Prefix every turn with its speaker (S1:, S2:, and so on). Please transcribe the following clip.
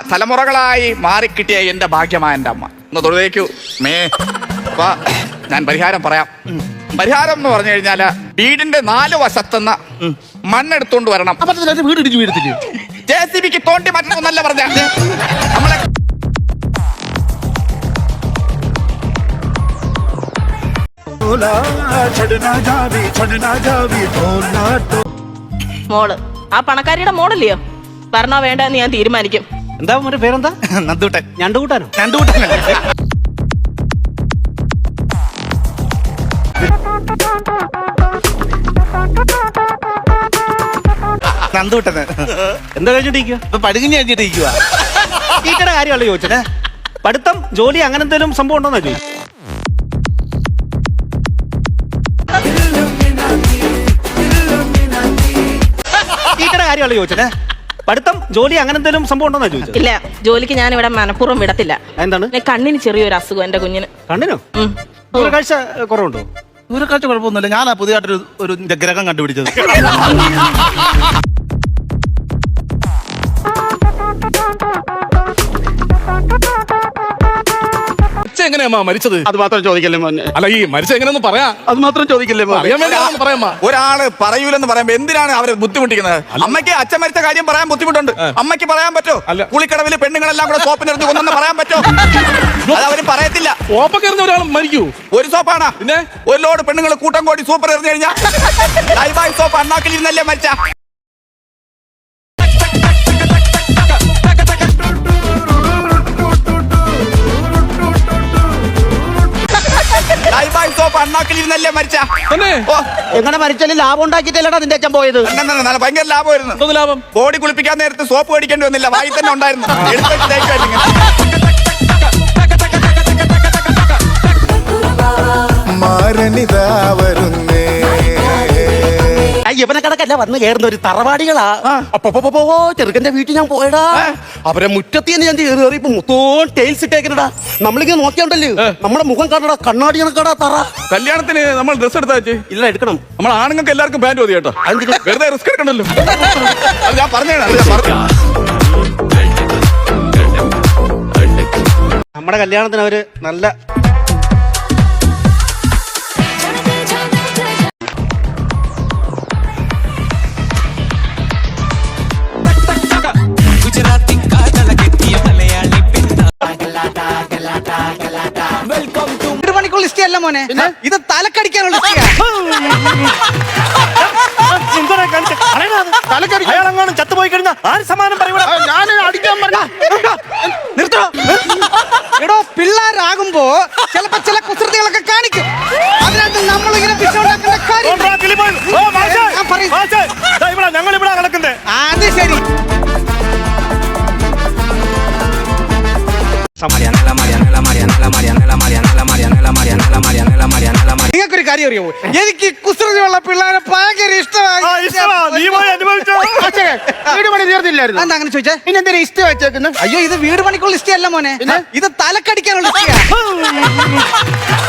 S1: തലമുറകളായി മാറിക്കിട്ടിയ എന്റെ ഭാഗ്യമായ എന്റെ അമ്മ. ഒന്ന് തൊഴുതേക്കൂ മേ. അപ്പൊ ഞാൻ പരിഹാരം പറയാം. പരിഹാരം എന്ന് പറഞ്ഞു കഴിഞ്ഞാല് വീടിന്റെ 4 വശത്തുനിന്ന് മണ്ണെടുത്തോണ്ട് വരണം.
S2: വീട് ഇടിച്ചു വീഴത്തില്ലേ?
S1: JCBക്ക് തോണ്ടി മാറ്റണമെന്നല്ല പറഞ്ഞ നമ്മളെ
S3: മോള് ആ പണക്കാരിയുടെ മോളല്ലയോ? പറഞ്ഞോ വേണ്ട എന്ന് ഞാൻ തീരുമാനിക്കും.
S2: എന്താ മോന്റെ പേരെന്താ?
S1: നന്ദൂട്ടൻ.
S2: ഞണ്ടുകൂട്ടാനോ?
S1: രണ്ടുകൂട്ടനല്ലേ? നന്ദൂട്ടന്
S2: എന്താ കഴിഞ്ഞിട്ടിരിക്കുക?
S1: ഇപ്പൊ പടുകിഞ്ഞ് കഴിഞ്ഞിട്ടിരിക്കുക.
S2: ടീച്ചറുടെ കാര്യമല്ല ചോദിച്ചത്. പഠിത്തം ജോലി അങ്ങനെ എന്തെങ്കിലും സംഭവം ഉണ്ടോന്നാ ചോദിച്ചു. ടീച്ചറുടെ കാര്യമല്ല ചോദിച്ചത്. പഠിത്തം ജോലി അങ്ങനെ എന്തെങ്കിലും സംഭവം ഉണ്ടോന്നാ ചോദിച്ചത്.
S3: ഇല്ല, ജോലിക്ക് ഞാൻ ഇവിടെ മനഃപൂർവ്വം വിടത്തില്ല.
S2: എന്താണ്?
S3: കണ്ണിന് ചെറിയൊരു അസുഖം എന്റെ കുഞ്ഞിന്.
S2: കണ്ണിനോ? ദൂരക്കാഴ്ച കുറവുണ്ടോ?
S1: ദൂരക്കാഴ്ച കുഴപ്പമൊന്നുമില്ല. ഞാനാ പുതിയതായിട്ടൊരു ഗ്രഹം കണ്ടുപിടിച്ചത്.
S4: എങ്ങനെയാ മരിച്ചത്?
S2: അത് മാത്രം ചോദിക്കല്ലേ മോനെ.
S4: അല്ല, ഈ മരിച്ച എങ്ങനെയൊന്ന് പറയാ.
S2: അത് മാത്രം ചോദിക്കല്ലേ മോനെ.
S4: അറിയാൻ വേണ്ടി പറയാ.
S1: ഒരാള് പറയൂലെന്ന് പറയുമ്പോ എന്തിനാണ് അവരെ ബുദ്ധിമുട്ടിക്കുന്നത്? അമ്മയ്ക്ക് അച്ഛൻ മരിച്ച കാര്യം പറയാൻ ബുദ്ധിമുട്ടുണ്ട്. അമ്മയ്ക്ക് പറയാൻ പറ്റോ? കുളിക്കടവില് പെണ്ണുങ്ങളെല്ലാം കൂടെ സോപ്പിനെടുത്ത് കൊന്നെന്ന് പറയാൻ പറ്റോ? അത് അവര് പറയത്തില്ല.
S4: സോപ്പൊക്കെ എറിഞ്ഞ ഒരാൾ മരിക്കൂ?
S1: ഒരു സോപ്പാണ്. പിന്നെ ഒരു ലോഡ് പെണ്ണുങ്ങൾ കൂട്ടം കൂടി സൂപ്പർ എറിഞ്ഞു കഴിഞ്ഞാൽ ലൈവായി സോപ്പ് അണ്ണാക്കിലിരുന്നല്ലേ മരിച്ച. ലൈവായി സോപ്പ് അണ്ണാക്കിലിരുന്നല്ലേ മരിച്ച.
S2: എങ്ങനെ മരിച്ചാലും ലാഭം ഉണ്ടാക്കിയിട്ടല്ലടാ നിന്റെ അച്ഛൻ പോയത്.
S1: ഭയങ്കര ലാഭമായിരുന്നു.
S4: ലാഭം?
S1: ബോഡി കുളിപ്പിക്കാൻ നേരത്ത് സോപ്പ് മേടിക്കേണ്ടി വന്നില്ല. വായി തന്നെ ഉണ്ടായിരുന്നു.
S2: ഇവനെ കണക്കല്ല വന്ന് കയറുന്ന ഒരു തറവാടികളാ. അപ്പൊ ചെറുക്കന്റെ വീട്ടിൽ ഞാൻ പോയടാ. അവരെ മുറ്റത്തി ഞാൻ കയറിയപ്പോ മൊത്തം ടൈൽസ് ഇട്ടേക്കണടാ. നമ്മളിങ്ങനെ നോക്കിയാണ്ടല്ലോ നമ്മുടെ മുഖം കാണടാ, കണ്ണാടി കണക്കാടാ തറ.
S4: കല്യാണത്തിന് നമ്മൾ ഡ്രസ് എടുത്താ?
S2: ഇല്ല, എടുക്കണം.
S4: നമ്മൾ ആണുങ്ങൾക്ക് എല്ലാവർക്കും പാന്റ് മതി കേട്ടോ. വെറുതെ റിസ്ക് എടുക്കണ്ടല്ലോ.
S1: ഞാൻ പറഞ്ഞു.
S2: നമ്മുടെ കല്യാണത്തിന് അവര് നല്ല
S5: അല്ല മോനെ, ഇത് തലക്കടിക്കാനുള്ള
S2: അയാളെങ്ങാനും ചത്തുപോയി കഴിഞ്ഞാൽ ആര് സമാനം പറയൂടാ?
S5: ഞാൻ അടിക്കാൻ നിർത്തോ. എടോ, പിള്ളേരാകുമ്പോ ചിലപ്പോ ചില കുസൃതികളൊക്കെ കാണിക്കും. അതിനകത്ത് നമ്മളിങ്ങനെ പിശുണ്ടാക്കുന്ന കാര്യം.
S2: ഞങ്ങളിവിടെ കിടക്കുന്നേ.
S5: അത് ശരി. നിങ്ങൾക്കൊരു കാര്യം അറിയാമോ? എനിക്ക് കുസൃതിയുള്ള പിള്ളേരെ ഭയങ്കര ഇഷ്ടമായി. വീട് പണി തീർന്നില്ലായിരുന്നു. എന്താ അങ്ങനെ ചോദിച്ചാ? പിന്നെ എന്തിനാ ഇഷ്ടം വെച്ചേക്കുന്നത്? അയ്യോ, ഇത് വീട് പണിക്കുള്ള ഇഷ്ടമല്ല മോനെ, ഇത് തലക്കടിക്കാനുള്ള ഇഷ്ട.